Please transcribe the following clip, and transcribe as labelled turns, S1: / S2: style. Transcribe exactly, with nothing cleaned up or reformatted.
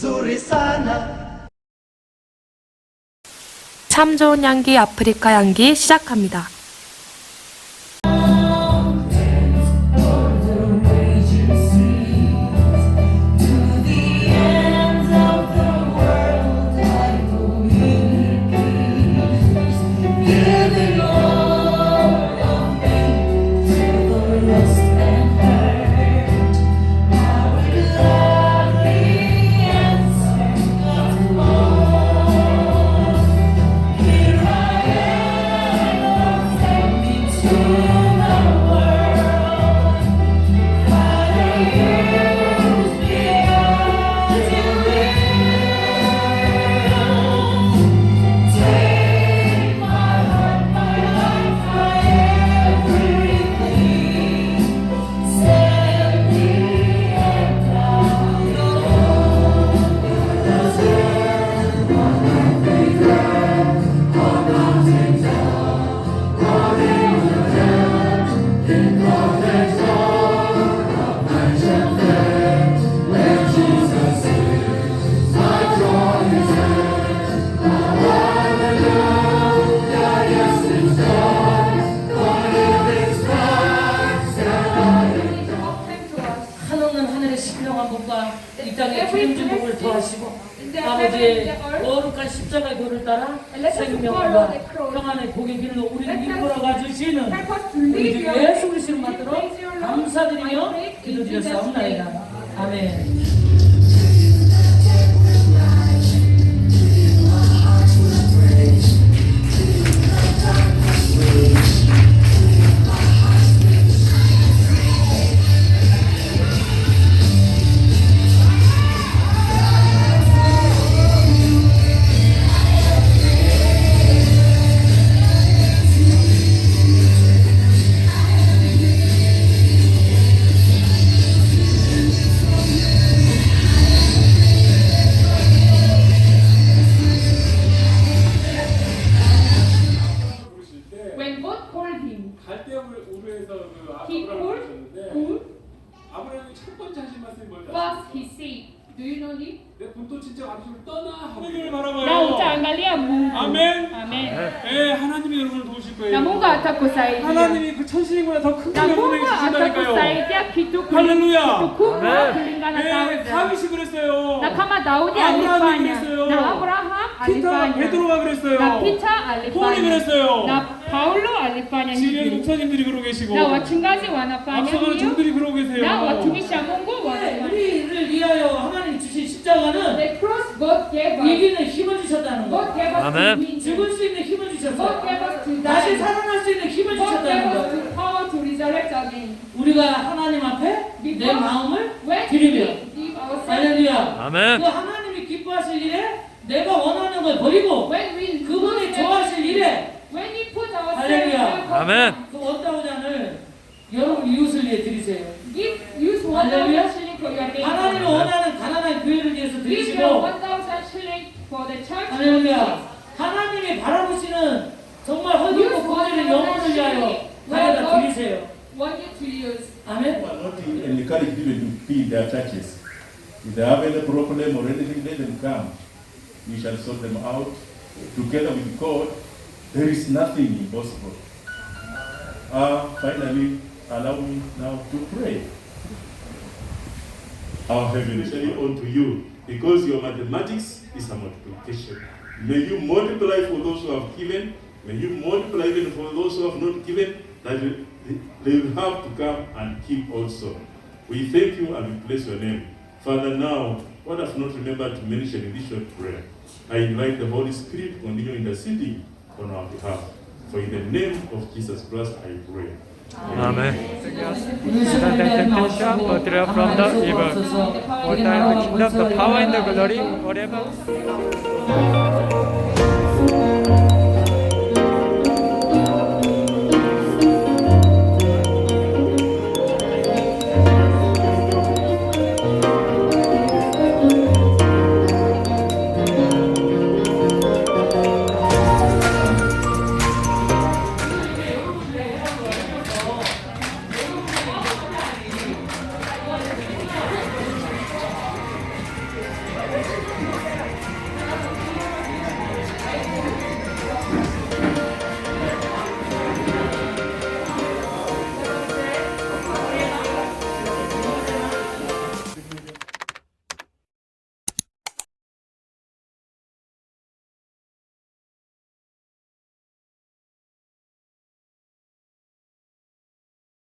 S1: nzuri sana.
S2: 참 좋은 향기 아프리카 향기 시작합니다.
S3: 이 땅에 주님주복을 더하시고 아버지의 거룩한 십자가의 도를 따라 생명과 평안의 복의 길로 우리를 이끌어가 주시는 우리 주 예수 그리스도를 받들어 감사드리며 기도드렸사옵나이다. 아멘.
S4: 아브라함이 첫 번째 하신 말씀이 뭘까요?
S5: First he said, do you know him?
S4: 내 본토 친척 아버지를 떠나 하나님을
S5: Na
S4: 바라봐요.
S5: utaangalia Mungu.
S4: 아멘.
S5: Amen.
S4: 예, 하나님이 여러분을 도우실 거예요.
S5: Na Mungu atakusaidia.
S4: 하나님이 그 천신보다 더 큰
S5: Na
S4: 걸
S5: Mungu
S4: 여러분에게 주신다니까요.
S5: atakusaidia kitu
S4: 할렐루야.
S5: kubwa kulingana na
S4: 예,
S5: Daudi.
S4: 다윗이 그랬어요.
S5: Na kama Daudi
S4: 아브라함이
S5: alifanya,
S4: 그랬어요.
S5: na Abraham
S4: 피타
S5: alifanya,
S4: 베드로가
S5: na
S4: 그랬어요.
S5: Peter
S4: 폴이
S5: alifanya,
S4: 그랬어요.
S5: na Paulo alifanya
S4: 지금
S5: hivi,
S4: 목사님들이 그러고 계시고
S5: na wachungaji wanafanya
S4: 앞서가는
S5: hiyo,
S4: 종들이 그러고 계세요.
S5: na watumishi wa Mungu
S3: 네,
S5: wanafanya.
S3: 우리를 위하여 하나님 주신 십자가는
S5: The cross God gave us.
S3: 이기는 힘을 주셨다는
S5: God
S3: 거.
S5: gave us to
S2: Amen.
S5: win.
S3: 죽을 수 있는 힘을
S5: God
S3: 주셨어요.
S5: gave us to
S3: 다시
S5: die.
S3: 살아날 수 있는 힘을
S5: God gave
S3: 주셨다는
S5: us
S3: 거.
S5: the power to resurrect again.
S3: 우리가 하나님 앞에 내 마음을
S5: When
S3: 드리며
S5: we give ourselves,
S3: 할렐루야.
S2: 아멘.
S3: 그 하나님이 기뻐하실 일에 내가 원하는 걸 버리고
S5: when we
S3: 그분이 좋아하실 일에
S5: when we put ourselves
S3: 할렐루야.
S5: before
S2: 아멘.
S5: God,
S3: 그 원다운 잔을 여러분 이웃을 위해 드리세요.
S5: give use one
S3: 할렐루야.
S5: thousand shilling for your
S3: 하나님이
S5: neighbor.
S3: 원하는 가난한 교회를 위해서
S5: Give your
S3: 드리시고
S5: one thousand shilling for the church.
S3: 할렐루야. 하나님이 바라보시는 정말 헐벗고 구원하는 영혼을 위하여 가져다 드리세요.
S5: Want you to use.
S3: 아멘.
S6: Who are not encouraged even to be in their churches. If they have any problem or anything, let them come. We shall sort them out. Together with God, there is nothing impossible. Uh, finally, allow me now to pray. Our Heavenly Father, unto you, because your mathematics is a multiplication. May you multiply for those who have given. May you multiply even for those who have not given, that they will have to come and keep also. We thank you and we bless your name. Father, now, what I've not remembered to mention in this short prayer, I invite the Holy Spirit to continue interceding on our behalf. For in the name of Jesus Christ I pray.
S2: 아멘.
S3: 나오시고
S2: Deliver from the evil.
S3: 하나님
S2: All time the kingdom, the power and the glory forever.